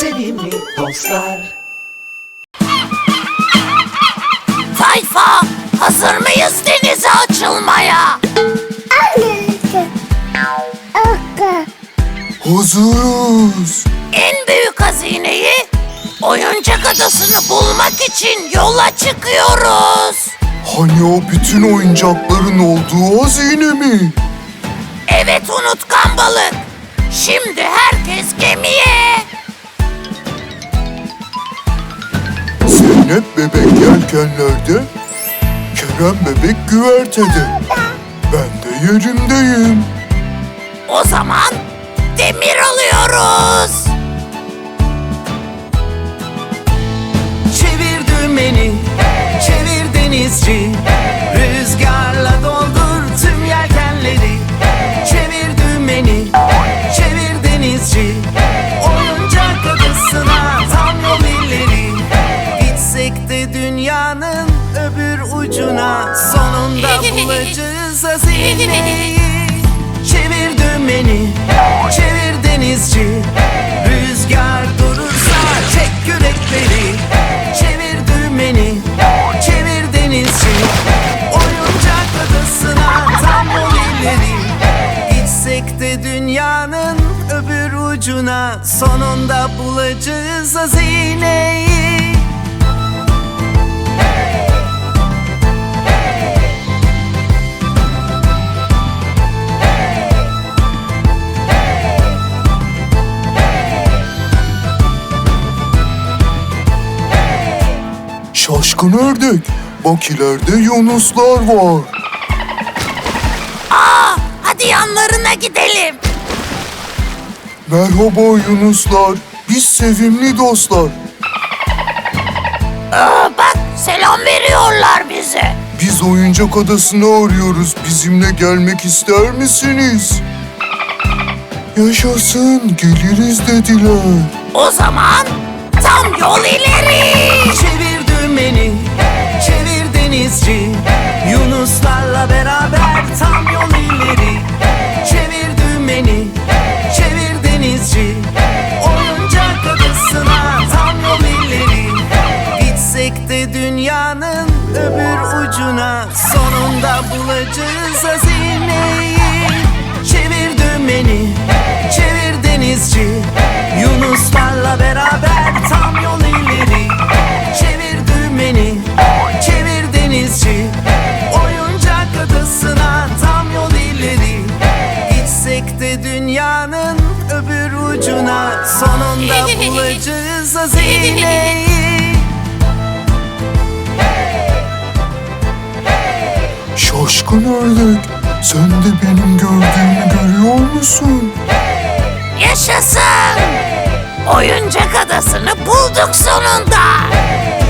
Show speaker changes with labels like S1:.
S1: sevimli dostlar.
S2: Tayfa, hazır mıyız denize açılmaya?
S3: Hazırız.
S2: En büyük hazineyi Oyuncak Adası'nı bulmak için yola çıkıyoruz.
S3: Hani o bütün oyuncakların olduğu hazine mi?
S2: Evet unutkan balık. Şimdi herkes gemiye.
S3: Zeynep bebek yelkenlerde, Kerem bebek güvertede. Ben de yerimdeyim.
S2: O zaman demir alıyoruz.
S1: Çevir dümeni, çevir denizci. Rüzgarla doldur tüm yelkenleri. Çevir dümeni, çevir denizci. Oyuncak adasına tam yol ileri. Gitsek de dünyanın öbür ucuna, sonunda bulacağız hazineyi. Çevir dümeni, çevir denizci. Rüzgar durursa çek kürekleri. Çevir dümeni, çevir denizci. Oyuncak adasına tam yol ileri. Gitsek de dünyanın öbür ucuna, sonunda bulacağız hazineyi.
S3: Şaşkın ördek, bak ileride yunuslar var.
S2: Hadi yanlarına gidelim.
S3: Merhaba yunuslar, biz sevimli dostlar.
S2: Bak selam veriyorlar bize.
S3: Biz oyuncak adasını arıyoruz, bizimle gelmek ister misiniz? Yaşasın, geliriz dediler.
S2: O zaman tam yol ileri.
S1: Çevir dümeni, çevir denizci. Yunuslarla beraber tam yol ileri. Çevir dümeni, çevir denizci. Oyuncak adasına tam yol ileri. Gitsek de dünyanın öbür ucuna, sonunda bulacağız hazineyi. Çevir dümeni, çevir denizci. Yunuslarla beraber tam yol ileri. Çevir dümeni, çevir denizci. Oyuncak adasına tam yol ileri. Gitsek de dünyanın öbür ucuna, sonunda bulacağız hazineyi.
S3: Şaşkın ördek, sen de benim gördüğümü görüyor musun?
S2: Yaşasın. Oyuncak Adası'nı bulduk sonunda.